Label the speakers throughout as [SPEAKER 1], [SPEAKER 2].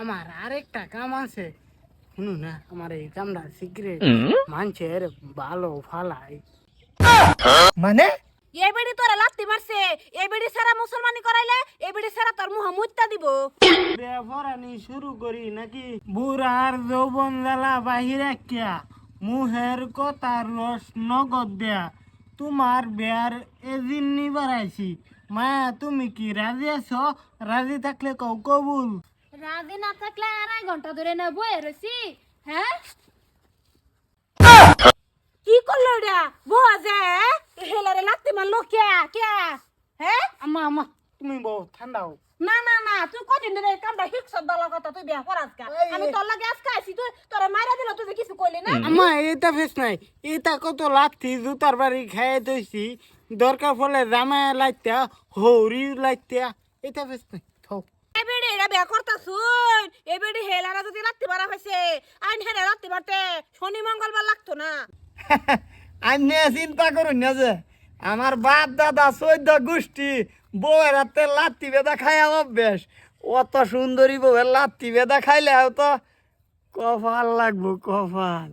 [SPEAKER 1] আমার আরেকটা কাম আছে। শুনু না, আমার এই কামটা সিক্রেট, মানুষের ভালো ফালাই।
[SPEAKER 2] মানে
[SPEAKER 3] এই বেড়ি তোরা লাত্তি মারছে, এই বেড়ি সারা মুসলমানি করাইলে এই বেড়ি সারা তোর মুহ মুত্তা দিব।
[SPEAKER 1] বেফরানি শুরু করি নাকি? বুড়ার যৌবন জ্বালা বাহিরে কিয়া, মুহের কথার রস নগদ দেয়া। তোমার বেয়ার এজিন নি বাড়াইছি। মায়া তুমি কি রাজি আছো? রাজি থাকলে কও কবুল।
[SPEAKER 3] রাজি না থাকলে 2.5 ঘন্টা ধরে না বয়ে রয়েছি। হ্যাঁ কি করলো এটা? বুয়া যে হেলারে লাত্তি মারলো কে কে? হ্যাঁ
[SPEAKER 1] আম্মা আম্মা, তুমি বউ ঠান্ডা হও।
[SPEAKER 3] না না না, তুই কদিন ধরে এই কামটা হিকসত দলা কথা, তুই বিয়া করাস কা? আমি তোর লাগে আজকে আইছি, তুই তোরা মাইরা দিল, তুই যে কিছু কইলি না।
[SPEAKER 1] আম্মা এটা ফেস নাই, এটা কত লাথি জুতার বাড়ি খাইয়ে দইছি। দরকার ফলে জামায় লাইতা, হৌরি লাইতা, এটা ফেস নাই। থাও।
[SPEAKER 3] এবেড়ে এটা বিয়া করতাছুন, এবেড়ে হেলারা যদি লাত্তি মারা হইছে, আইন হেরে লাত্তি মারতে শনি মঙ্গলবার লাগতো না।
[SPEAKER 2] আমি চিন্তা করুন না যে আমার বাপ দাদা 14 গোষ্ঠী বউয়ের হাতে লাত্তি বেদা খাইয়া অভ্যেস। অত সুন্দরী বউয়ের লাত্তি বেদা খাইলে তো কপাল লাগবো, কপাল।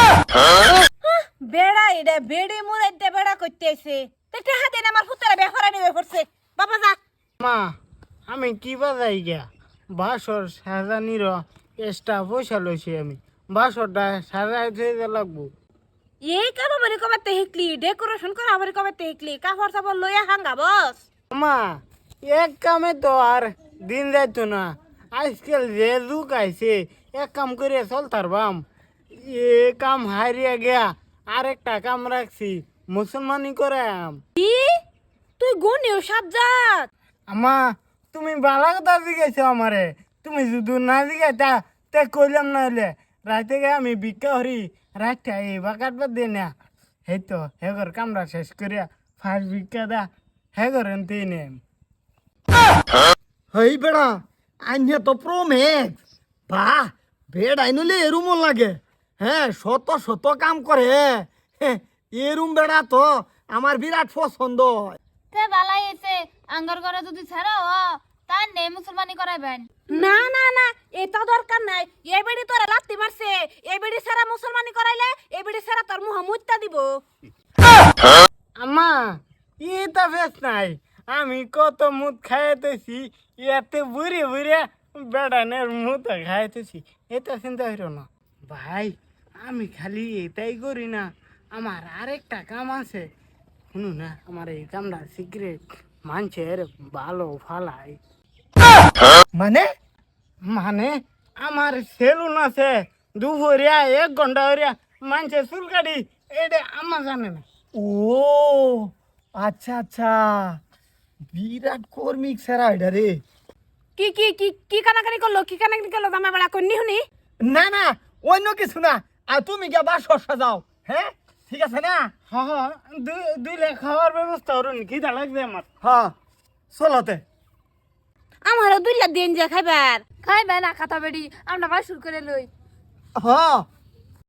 [SPEAKER 3] বেড়া এটা বেড়ে মুরাইতে বেড়া করতে আইছে, তে হাতে আমার ফুতারা বিয়া করা নিবে পড়ছে। বাবা যা।
[SPEAKER 1] মা, আমি কি বাজাই গিয়া বাসর সাজানির এক্সট্রা পয়সা লইছি। আমি বাসরটা সাজাই থইতে লাগবো।
[SPEAKER 3] এই কাম আমারে কবে হিকলি, ডেকোরেশন করা আমারে কবে হিকলি, কাপড় চাপড় লইয়া হাঙ্গা বস।
[SPEAKER 1] মা, এক কামে তো আর দিন যাইতো না। আজকাল যে যুগ আইছে, এক কাম করে চলতার বাম। এ কাম হারিয়ে গিয়া আরেকটা কাম রাখছি, মুসলমানি করে আম।
[SPEAKER 3] কি তুই গুনিও সাবজাত?
[SPEAKER 1] আমা, তুমি বালা কথা জিজ্ঞাসা আমারে। তুমি যদি না জিজ্ঞাসা তে কইলাম না হলে রাতে গে আমি ভিক্ষা হরি, রাতটা এই বা কাটবার দিয়ে না। এই তো হেগর কামরা শেষ করিয়া ফার্স্ট ভিক্ষা দা হেগর এনতে নেম।
[SPEAKER 2] হই বেড়া আইনে তো প্রোমেক্স। বাহ, বেড আইনলে এরুম লাগে। হ্যাঁ, শত শত কাম করে। এরুম বেড়া তো আমার বিরাট পছন্দ হয়।
[SPEAKER 4] তে বালাই এসে আঙ্গার করে যদি ছাড়াও তাই নে মুসলমানি করাইবেন।
[SPEAKER 3] না না না, এটা দরকার নাই। এই বেড়ি তোরা লাত্তি মারছে, এই বেড়ি সারা মুসলমানি করাইলে এই বেড়ি সারা তোর মুহ মুত্তা দিব।
[SPEAKER 1] আমা, এটা ফেস নাই। আমি কত মুদ খাইতেছি, ইয়াতে বুড়ে বুড়ে বেড়ানের মুদ খাইতেছি। এটা চিন্তা হইল না ভাই। আমি খালি এটাই করি না, আমার আরেকটা কাম আছে। শুনু না, আমার এই কামটা সিক্রেট, মানুষের ভালো ফালাই।
[SPEAKER 2] মানে
[SPEAKER 1] মানে আমার সেলুন আছে, দুপুরিয়া 1 ঘন্টা হরিয়া মানুষের চুল কাটি, এটা আমার জানে না।
[SPEAKER 2] ও আচ্ছা আচ্ছা, বিরাট কর্মিক সেরা এটা রে।
[SPEAKER 3] কি কি কি কি কানাকানি করলো, কি কানাকানি করলো জামা বেড়া কন্নি শুনি।
[SPEAKER 2] না না, অন্য কিছু না। আর তুমি গিয়ে বাসর সাজাও। হ্যাঁ, ঠিক আছে না?
[SPEAKER 1] হ হ, দুইলে খাওয়ার ব্যবস্থা করুন, খিদা লাগবে আমার।
[SPEAKER 2] হ্যাঁ, চলতে।
[SPEAKER 3] আমারও 2 লাখ দিন যা খাইবার।
[SPEAKER 4] খাইবে না খাতা বেড়ি আমরা বাসুর করে লই।
[SPEAKER 2] হ্যাঁ,